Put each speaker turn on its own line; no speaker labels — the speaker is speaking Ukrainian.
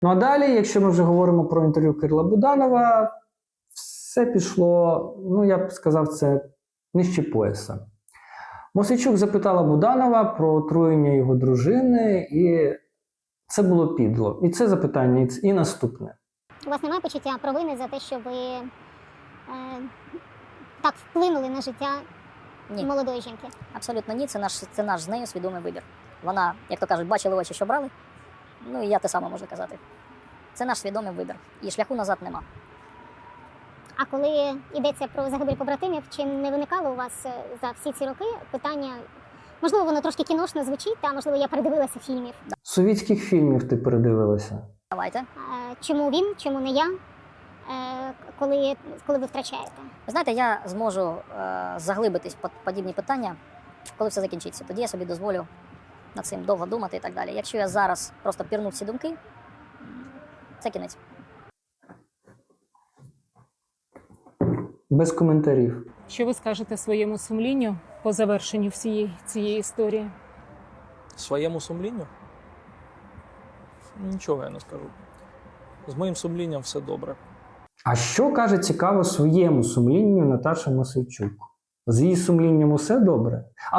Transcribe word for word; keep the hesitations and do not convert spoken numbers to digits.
Ну а далі, якщо ми вже говоримо про інтерв'ю Кирила Буданова, все пішло, ну я б сказав, це нижче пояса. Мосійчук запитала Буданова про отруєння його дружини, і це було підло. І це запитання, і наступне.
У вас немає почуття провини за те, що ви е, так вплинули на життя
Ні.
молодої жінки?
Абсолютно ні, це наш, це наш з нею свідомий вибір. Вона, як то кажуть, бачила очі, що брали, ну і я те саме можу казати. Це наш свідомий вибір, і шляху назад нема.
А коли йдеться про загибель побратимів, чи не виникало у вас е, за всі ці роки питання, можливо, воно трошки кіношно звучить, та, можливо, я передивилася фільмів.
Совітських фільмів ти передивилася?
Давайте.
Е, чому він, чому не я, е, коли, коли ви втрачаєте?
Ви знаєте, я зможу е, заглибитись в подібні питання, коли все закінчиться. Тоді я собі дозволю над цим довго думати і так далі. Якщо я зараз просто пірну в ці думки, це кінець.
Без коментарів.
Що ви скажете своєму сумлінню по завершенню всієї цієї історії?
Своєму сумлінню? Нічого я не скажу. З моїм сумлінням все добре.
А що каже цікаво своєму сумлінню Наташа Мосійчук? З її сумлінням усе добре?